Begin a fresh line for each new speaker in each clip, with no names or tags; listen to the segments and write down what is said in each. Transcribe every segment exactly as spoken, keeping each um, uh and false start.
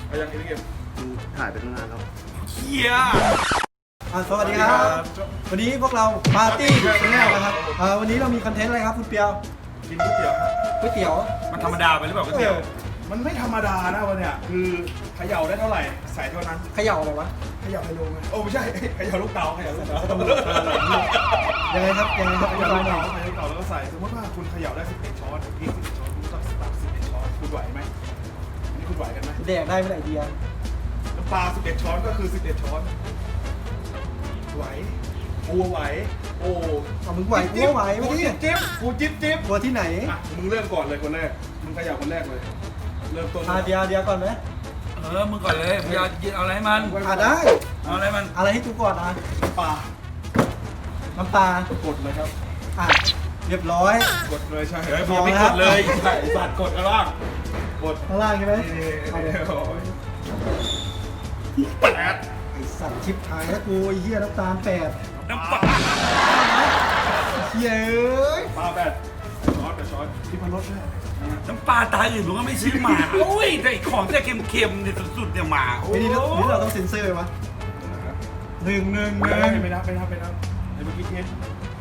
เอายังอีกเกม
ถ่ายไปตั้งนานแล้ว
เฮีย
อ่าสวัสดีครับ วันนี้พวกเราปาร์ตี้ชาแนลนะครับอ่าวันนี้เรามีคอนเทนต์อะไรครับคุณเปียว
กินก๋วยเตี๋ยวครับ
ก๋วยเตี๋ยว
มันธรรมดาไปหรือเปล่าก๋วย
เอ
เตี๋ยว
อ
มันไม่ธรรมดานะวันเนี้ยคือเขย่าได้เท่าไหร่ใส่เท่านั้น
เขย่าอะไรวะ
เขย่าไฮโลไงโอ้ไม่ใช่เขย่าลูกเต๋าเขย่าลูกเต๋า
ยังไงครับยังไงครับ
เข
อธิ
ย่า
บา
ลู
ย
ก
หน่อย
เต๋าเขย่าลูกเต๋าแล้วก็ใส่สมมติว่าคุณเขย่าได้สิบเอ็ดช้อนพริกสิบเอ็ดช้อนคุณต้องตักสิบเอ็ดช้อนคุณไหวไหมอันนี้คุณไหวกันไหม
แดกได้ไม่ได้ไอเดีย
น้ำปลาสิบเอ็ดช้อนก็คือสิบเอ็ดช้อนไหวกูไหวโอ้
เอามึงไหวกูก็ไหว
กู
ไม่
จิ๊
ดิ
บจิ๊บกูจิ๊บจิ๊บ
ตัวที่ไหน
อ่ะมึงเริ่มก่อนเลยคนแรกมึงเขย่าคนแรกเลยเริ่มต้น
อ่าเดียวเดียวก่อนไหม
เออมึงก่อนเลยมึงเอาเอาอะไรให้มัน
อ่าได้
เอาอะไรมัน
อะไรให้กูก่อนอ่ะ
ปลา
น้ำปลาก
ดเลยครับ
อ่ะเรียบร้อย
กดเลยใช่
เฮ้ยมึงยังไม่กดเลย
ใช่สัตว์กดกันล่างกด
ข้างล่างใช่ไหม
นี่
เอาเลย
โอ้ยแปด
ไอสัตว์ชิปหายแล้วกูไอ้เหี้ยน้ำตาลแปด
น้ำปลา
เหี้ยเอ้ย
ปลาแปดช้อนกับช้อนที่พันรสด้วย
น้ำปลาตายอื่นมึงก็ไม่ซื้อมาโอ้ยแต่ไอ้ของที่เค็มๆเนี่ยสุดๆเนี่ยมาโอ้
ไอ้
ย
นี่เรานี่เราต้องเซ็นเซอร์ไหมวะหนึ่งหนึ่งห
ไม่
นึ่ง
ไม่นับไม่นับไม่นับไอ้เมื่อกี้เทส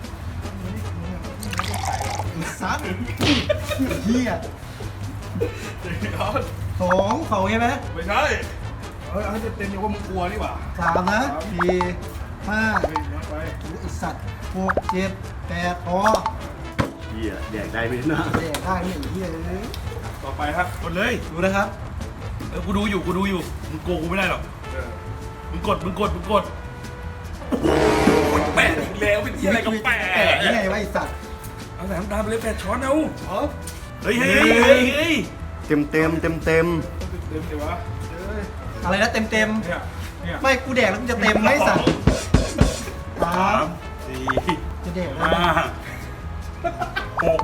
ไอ้สัตว์เหี้ย
ช้อน
สองเขาใช่ไหม
ไม่ใช่เฮ้ยเอาให้เต็มๆอย่างว่ามึงกลัวนี่หว่า
สามนะสี่ห้า
เฮ้ยนับไป
ไอสัตว์หกเจ็ดแปดพอ
เหี้ยแดกได้ไหมนะ
แดกได้ไม่ไอ้เหี้ยเลย
ต่อไปครับ
กดเลย
ดูนะครับ
เออกูดูอยู่กูดูอยู่มึงโกงกูไม่ได้หรอก
เออ
มึงกดมึงกดมึงกดแปดอีกแล้วเป็นที่อะไรกับแป
แปด
ด
ยังไงวะไอสัตว์
เอาแต่น้ำตาลไปเลยแปดช้อนเอา
ช้อน
เฮ้ยเฮ้ยเฮ้ยเฮ้ย
เต็มเต็มเต็มเต็ม
ต้องเต็มๆสิวะเอ้ย
อะไรนะเต็มเต็ม
เนี่ยเนี่ย
ๆไม่กูแดกแล้วกูจะเต็มไหมไอ้สัตว์สา
สาม มสี่
จะแดกได้
ห้า
ไหม
หก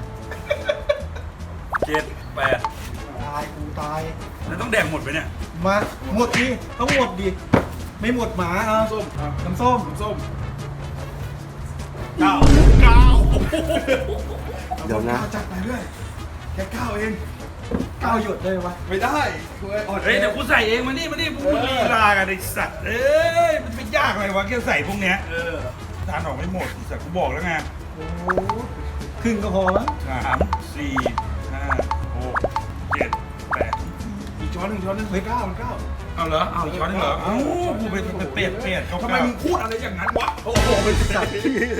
เจ็ดแปด
ตายกูตาย
แล้วต้องแดงหมดไปเนี่ย
มาหมดดิต้องหมดดิไม่หมดหมาเอา
ส้มอ่ะ
น้ำส้ม
น้ำส้มเก้า
เก้า
เดี๋ยวนะ
จัดไปด้วยแค่เก้าเอง
เก้าหยดเลยวะ
ไม่ได้คุณอ่อน
เฮ้ยเดี๋ยวกูใส่เองมานี่มานี่พวกมึงลีลากันไอ้สัตว์เอ้ยมันเป็นยากอะไรวะแค่ใส่พวกเนี้ย
เออ
ทานออกไม่หมดไอ้สัตว์กูบอกแล้วไง
โอ้โหครึ่งก็พอมั้ง
สามสี่ห้าหกเจ็ดแปด
อีกช้อนหนึ่งช้อนหนึ่งเฮ้ยเก้ามันเก้า
เอาเหรอเอาอีกช้อนหนึงเหรอเอ้ากูเป็นเป็นเป็ดเป็ดเขา
ทำไมมึงพูดอะไรอย่างนั้นวะโอ้โห
สัตว์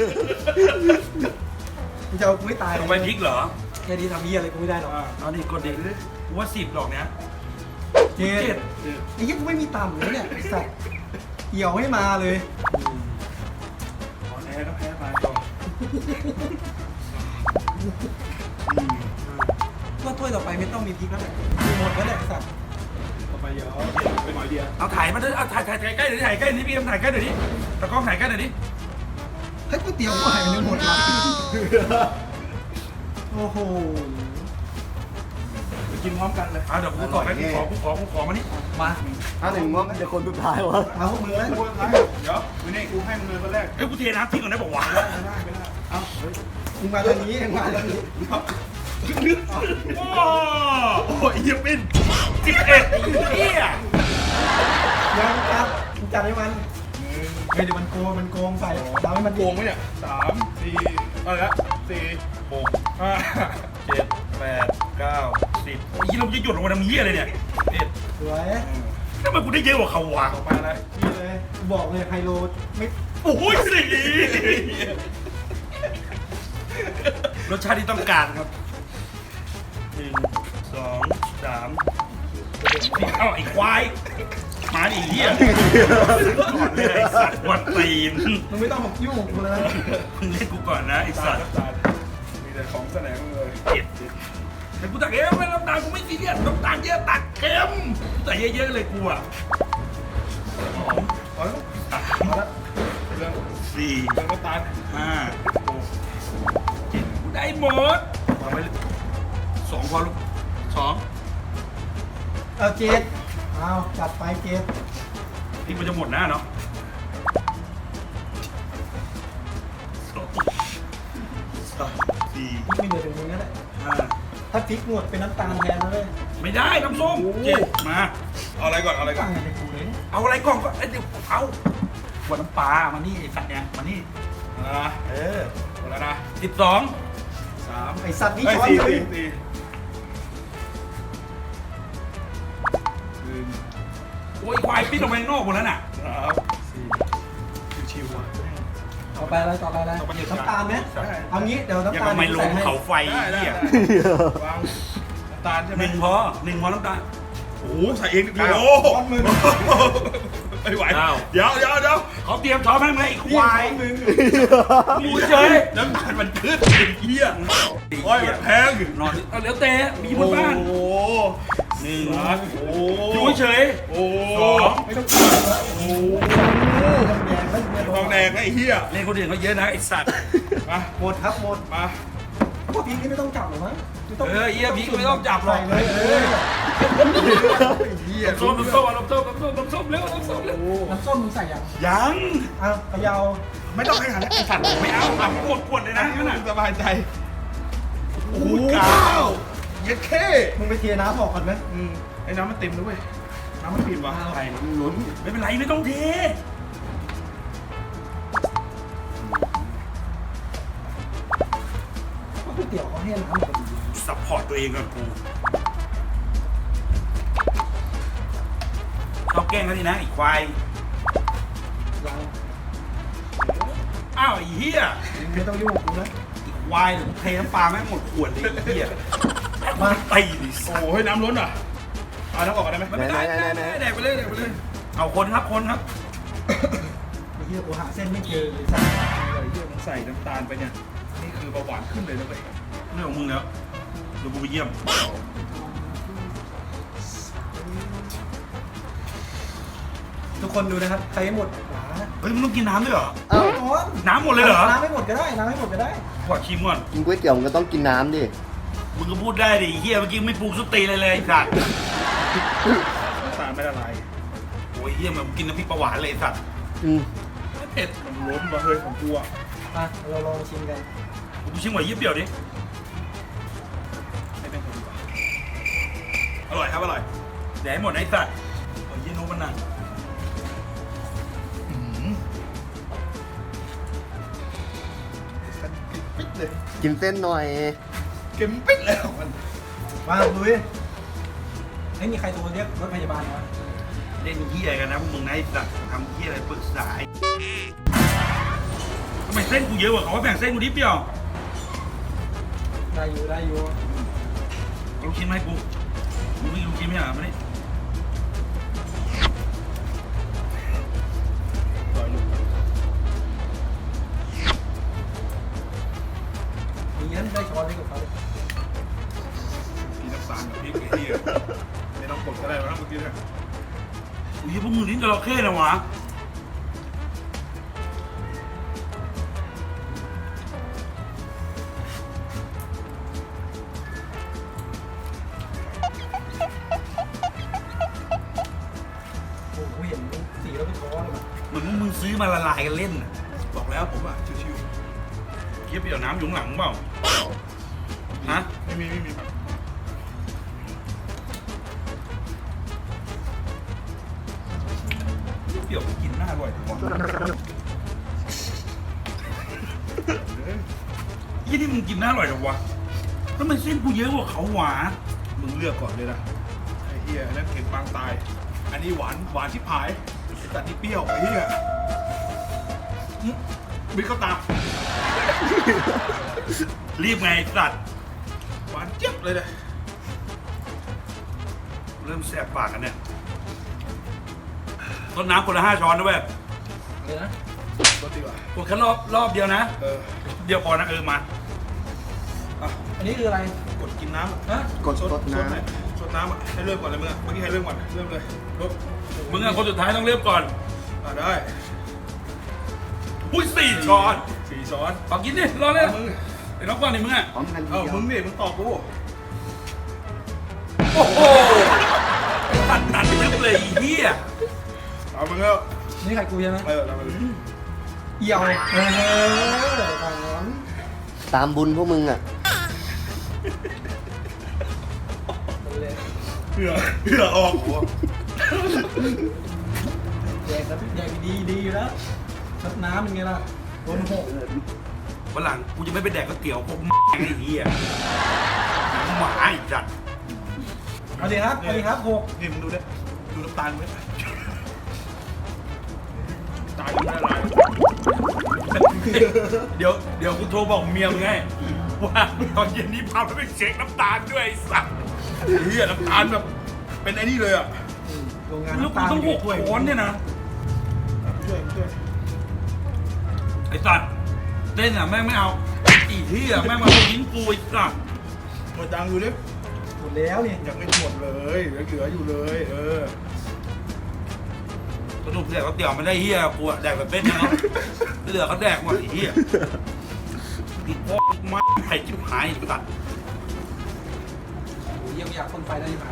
กูจะเอากูไม่ตาย
ลงไปพริกเหรอ
แค่นี้ทำเหี้ยอะไรกูไม่ได้หรอก
เอานี่กดดิกูว่าสิบหรอกเนี้ย
เจ็
เจ็
ด
ด
ไอ้เหี้ยกูไม่มีต่ำเลยเนี่ยไอ้สัตว์เหี่ยวให้มาเลย
ขอแพ้ก็แพ้ไป
ว่าถ้วยต่อไปไม่ต้องมีพริกแล้วแหละหมดแล้วแหละไอ้สัตว์
ต่อไปเดี๋ยวไปหน่อยเดียว
เอาถ่ายมาด้วยเอาถ่ายถ่ายถ่ายใกล้เดี๋ยวถ่ายใกล้นี่พี่เอ็มถ่ายใกล้เดี๋ยวนี้ตะกล้องถ่ายใกล้เดี๋ยวนี้
ให้ก๋วยเตี๋ยวกูหายไปหมดละโอ้โห
ไปกินพร้อมกันเลย
อ่ะเดี๋ยวกูต่อให้กูขอกูขอกูขอมานี่
มา
ถ้าหนึ่งว่ามันจะคนสุดท้ายวะ
เอาพวกมือเลย
กูท้ายเดี๋ยววันนี้กูให้มึงเลยคนแรก
เอ้ยกูเทน้ำทิ้งก่อนได้บอกว่า
ไม่ได้ไม่ได้เอ้าเฮ้ย
มึงมาทางนี้มึงมาทางนี้
โอ้โหเฮียปิ้นสิบเอ็ดเฮีย
ยังจับมึงจับให้มันเฮ้ยเดี๋ยวมันโกงมันโกงใส่ทำให้มัน
โกงไหมเนี่ยสามสี่อะไรละสี่
หก
ห้า
เจ็ดแปดเก้าสิบยี่เราจะหยุดลงมาทำเฮียเลยเนี่ยเอ็ด
สวย
ทำไมกูได้เยอะกว่าเขาวะ
ต่อไปอะไร
นี่เลยกูบอกเลยไฮโลไม่
โอ้ยสี่รสชาติที่ต้องการครับหนึ่งสองสามเอ้าไอ้ควายมาดิเฮียก่อนเลยไอ้สัตว์วันตีน
มึงไม่ต้องมายุ่งกับกูเลย
มึงเล่นกูก่อนนะไอ้
ตา
สั
ย
ตว์
ตายมีแต่ของแสลงเลย
เจ็ดแต่กูตักเองไม่น้ำตาลกูไม่ซีเรียสน้ำตาลเยอะตักเค็มแต่เยอะๆเลยกูอ่ะสอง
เอาละ
สาม
เอาละเรื่อง
สี่
เรื่องน้ำตาล
ห้าหกเจ็ดกูได้หมดวางไว้เลยสองพอลูกสอง
เอาเจ็ดเอาจัดไปเจ็ด
นี่มันจะหมดหน้าเนาะสองสามสี่
ไม่เหลือถึงมึงนั่นแหละ
ห้าห
ถ้าพริกหมดเป็นน้ำตาลแทนนะเว้ย
ไม่ได้น้ำส้มเจ็บมา
เอาอะไรก่อนเอาอะไรก่อ
ต่าง
น
กันกูเลย
เอาอะไรก่อนก็เอ้ยเดี๋ยวเอาขวดน้ำปลามานี่ไอ้สัตว์เนี่ยมานี่
อ่า
เออ
หมดแล้วนะ
สิบสอง
สาม
ไอสัตว์นี่
เอ้ย
ช้อน
สี่
เลย
สี่สี่หนึ่ง
โอ้ยควายปิ้นออกมาข้างนอกหมดแล้วน่ะ
สามสี่ชิวๆอ่ะ
ต่อไปอะไรต่อไปอะไร
ต่อไป
น้ำตาลไหม
ใช่
เอางี้เดี๋ยว
อย่า
น้ำตาล
ทำไมลงเขาไฟ
ได้ได้
เหี้ย
ได้วางน้ำตาลใช่ไห
ห
ม
นึ่งพอหนึ่งพอน้ำตาล
โอ้โหใส่เองดิ
เก้า
โอ้โหไม่ไหว
เก้า
เดี๋ยวเดี๋ยวเดี๋ยว
เขาเตรียมช้อนให้ไหมไอ้ค
นี่
วาย
ช้อนหนึ่ง
มูเฉย
น้ำตาลมันขึ้นไอ้เหี้ยโอ้ยมันแพง
นอนเอาเหลือเตะมีบนบ้าน
โอ้โห
หนึ่ง
สามโอ้โห
อยู่เฉย
โอ้โห
สอง
ไม่ต้องกินแล้วโอ้โหแดงไม่ไม่
ทองแดงนะไอ้เหี้ย
เล่นคนอื่นเขาเยอะนะไอ้สัตว์
มา
หมดครับหมด
มา
พวกพริกนี่ไม่ต้องจับหรอมั้งไม่ต้อง
เออเยี่ยพี่ก็ไม่ต้องจับหร
ใส่
อก
เลยเออ
ไอ้เหี้ย
น้ำส้มน้ำส้มน้ำส้มน้ำส้มน้ำส้มเร็วน้ำส้มเร็ว
น้ำส้มมึงใส่ยัง
ยัง
อ้าวเขยาว
ไม่ต้องให้หันแล้วไอ้สัตว์
ไม่เอาเอาขวดขวดเลยนะนั่นน่ะ
สบายใจโอ้โหก้าวเย็ดเข้
มึงไปเทน้ำออกก่อนไหม
อืมไอ้น้ำมันเต็มแล้วเว้ยน้ำมันปิดว่ะ
ใครลุ้นไม่เป็นไรไม่ต้องเท
ก๋วยเตี๋ยวเขาให้น้ำหมดดี
ซัพพอร์ตตัวเองก่อนกูชอบแกล้งเขาดีนะไอ้ควาย
ยัง
อ้าวไอ้เหี้ย
ไม่ต้องยุ่งกับกูนะ
ไอ้ควายเดี๋ยวกูเทน้ำปลาแม่งหมดขวดเลยไอ้เหี้ย
มา
ตีดิ
โอ้โหให้น้ำล้นเหรอเอาน้ำออกก่อนได้ไหม
ไม่ได้ไม่ได้ไม่ได้แดกไปเลยแดกไปเลยเอาคนครับคนครับ
ไอ้เหี้ยกูหาเส้นไม่เจอเลยสัตว์
ไอ้เหี้ยมันใส่น้ำตาลไปเนี่ยนี่คือเบาหวานขึ้นเลยนะเว้ย
เรื่องของมึงแล้วเดี๋ยวกูไปเยี่ยม
ทุกคนดูนะครับใครให้หมดหวา
เฮ้ยมึงต้องกินน้ำด้วยเหรอ
เอาก่อน
น้ำหมดเลยเหรอ
น้ำไม่หมดก็ได้น้ำไม่หมดก็ได้
ขอชิมก่อน
กินก๋วยเตี๋ยวมันก็ต้องกินน้ำดิ
มึงก็พูดได้ดิไอ้เฮียเมื่อกี้ไม่ปรุงสุดตีเลยเลยไอ้สัตว์
น้ำตาลไม่ละลาย
โอ้ยเฮียมันกินน้ำพริกปลาหวานเลยไอ้สัตว์
อืม
ไม่เผ็ด
มันล้นมาเฮ้ยของกูอ่ะ
มาเราลองชิมกัน
กูชิมหวานเยี่ยมเปรี้ยวดิ
ให้เป็นคนดีกว่า
อร่อยครับอร่อยแดกให้หมดนะไอ้สัตว์โอ้ยเยี่ยนุ๊กมันนั่ง
สันกินปิ๊ดเลย
กินเส้นหน่อย
เก็มปิ๊ดเลยของมัน
มาลุยไม่มีใครโทรเรียกรถพยาบาลวะ
เล่นเฮียกันนะพวกมึงนะไอ้สัตว์ทำเฮียอะไรปรึกษาไอ้ทำไมเส้นกูเยอะกว่าเขาว่าแบ่งเส้นกูนิดเดียว
ได้อยู่ได้อยู่
เอาลูกชิ้นมาให้กูมึงไม่กินลูกชิ้นไม่ใช่เหรอมาดิ
ต่อยลูก
มีนั้นได้ช้อนให้กับเขา
กินน้ำตาลกับพริกไอ้เหี้ยไม่ต้องกดก็ได้แล้วนะเมื่อกี้เนี่ย
อุ้ยพวกมึงลิ้นจระเข้นะวะ
โอ้โหเห็นสีแล้วเป็นช้อนเลย
เหมือนพวกมึงซื้อมาละลายกันเล่นน่ะ
บอกแล้วผมอ่ะชิว
เกี๊ยวเปรี้ยวน้ำอยู่ข้างหลังเปล่าฮะ
ๆไม่มีไม่มี
เปรี้ยวกินหน้าอร่อยกว่ายี่นี่มึงกินหน้าอร่อยจังวะแล้วมันเส้นกูเยอะกว่าเขาหวา
มึงเลือกก่อนเลยนะไอ้เหี้ยนั่นเค็มปางตาย อันนี้หวานหวานที่ผายไอ้สัตว์นี่เปรี้ยวไอ้เหี้ยอื้อบิ๊กเข้าตา
รีบไงไอ้สัตว์
หวานเจี๊ยบเลยนะ
เริ่มแสบปากกันเนี่ยต้นน้ำคนละห้าช้อนนะเว้ย
เลยนะ
รสดีกว่าก
ดแค่รอบรอบเดียวนะ
เออ
เดียวพอนะเออมา
อ่ะ
อันนี้คืออะไร
กดกินน้ำอ่ะ
ฮะ
กด
ส
ส
ด
ด
ส
น้
ดหน่อยสดน้ำอ่ะให้เริ่มก่อนเลยมึงอ่ะเมื่อกี้ให้เริ่มก่อนเริ่มเลยรบ
มึงอะคนสุดท้ายต้องเริ่มก่อน
อ่ะได้
อุ้ยสี่ช้อน
สี่ช้อน
ขอกินดิรอเลย
เอามึง
ไอ้น้องก่อนดิมึงอะ
ำพร้อมกันที
เอ้า
เดียว
มึงนี่มึงตอบกู
โอ้โหตัดตัดลึกเลยไอ้เหี้ย
เอามึงแล้ว
นี่ไข่กูใช่ไหม
เออเอามึง
เอี่ยวเออตอน
ตามบุญพวกมึงอ่ะ
เหือเหือออก
แดกแล้วแดกดีดีอยู่แล้วซัดน้ำยังไงล่ะโดนหก
วันหลังกูจะไม่ไปแดกก๋วยเตี๋ยวพวกแม่งไอ้เหี้ยหมาไอ้จัด
เอาดิครับเอาดิครับหก
นี่มึงดูดิดูน้ำตาลไหมตาลยังไม่ละลาย
เดี๋ยวเดี๋ยวกูโทรบอกเมียมึงไงว่าตอนเย็นนี้พาไปเช็คน้ำตาลด้วยไอ้สัตว์
เฮียน้ำตาลแบบเป็นไอ้นี่เลยอ่ะ
โรงงาน
แล้วกู
น้ำตาล
ต้องหก
ถ้วย
ช้อนเนี่ยนะ
ช่วยช่วย
ไอ้สัตว์เต้นอ่ะแม่งไม่เอาอีเหี้ยแม่งมาทิ้งกูไอ้สัตว์
หมดจังดูดิ
หมดแล้วนี่
ยังไม่หมดเลยเหลือเหลืออยู่เลยเออ
สนุกแดกก๋วยเตี๋ยวไม่ได้เหี้ยกูอะแดกแบบเป็นนะเนาะเหลือเขาแดกหมดไอ้เหี้ยอีกพวกไม่ไผ่ชิบหายไอ้สัตว์
ยังอยากคนไฟได้ยังไง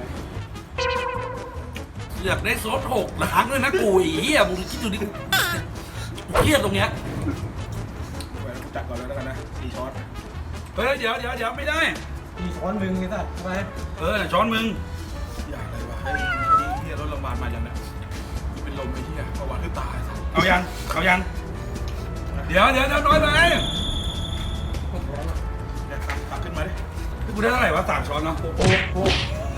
อยากได้โซดหกล้างด้วยนะกูไอ้เหี้ยมึงคิดดูดิกูเครียดตรงเนี้ย
แหวนกูจัดก่อนเลยแล้วกันนะสี่ช้อน
เฮ้ยเดี๋ยวเดี๋ยวเดี๋ยวไม่ได้
มีช้อนมึงไงสัตว์ทำไม
เออช้อนมึง
อยากอะไรวะไอ้เฮียรถโรงพยาบาลมายังเนี่ยกูเป็นลมไอ้เฮียประวัติขึ้นตาย
เอายังเอายังเดี๋ยวเดี๋ยวเดี๋ยวน้อยไป
เนี่ยตักตักขึ้นมาดิ
กูได้เท่าไหร่วะสามช้อนเนาะ
โอ้โหโอ้โห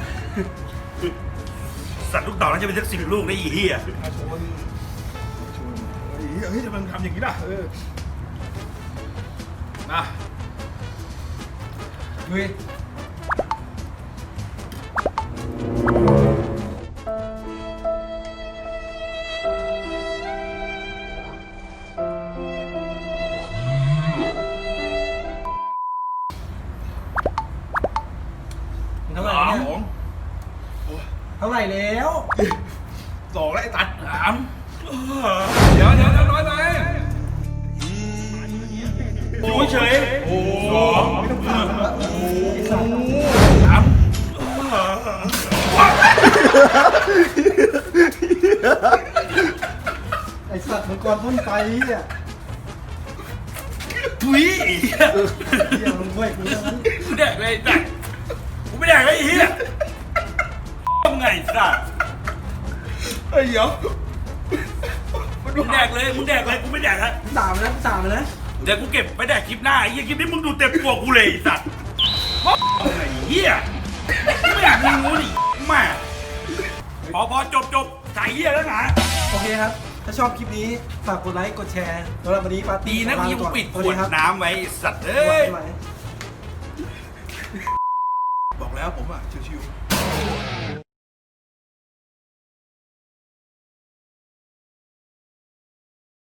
สัตว์ลูกเต่าน่าจะเป็นสักสิบลูกได้อีเหี้ย
มาชนชนเฮ้ยเฮ้ยจะมันทำอย่างนี้ล่ะเออนะ
ลุย เท่าไหร่
สา
เนี่ย
ม
เท่าไหร่แล้ว
สองแล้วไอ้ตัด
สามเดี๋ยวเดี๋ยวเดี๋ยวน้อยไปดูเฉย
โอ้
สอง
ไม่ต้องถามแล้วไอ้สัตว์
สาม
ไอ้สัตว์มังกรพ่นไฟเนี่ย
ทุย
เดี๋ยวลงด้วยกูเท่านั้น
กูแดกเลยแดกกูไม่แดกเลยไอ้เหี้ยทำไงสัตว์
เฮ้ยเดี๋ยว
มึงแดกเลยมึงแดกเลยกูไม่แดกละ
สามนะสามนะ
เดี๋ยวกูเก็บไปแดกคลิปหน้าไอ้เหี้ยคลิปนี้มึงดูเต็มตัวกูเลยไอ้สัตว์ไอ้เหี้ยไม่อยากมึงงูดิแม่พอพอจบจบใส่เหี้ยแล้วนะ
โอเคครับ ถ้าชอบคลิปนี้ฝากกดไลค์กดแชร์สำหรับวันนี้ปาร์
ดี
ตี้
นะ
ขอ
กู
ลา
ยัง
ไปก่อน
ปิดข
สวัส
ว
ดี
ด
ครับ
น้ำไว้ไอ้สัตว์เอ้
บ๊าย
ย
บาย
บอกแล้วผมอ่ะชิวๆ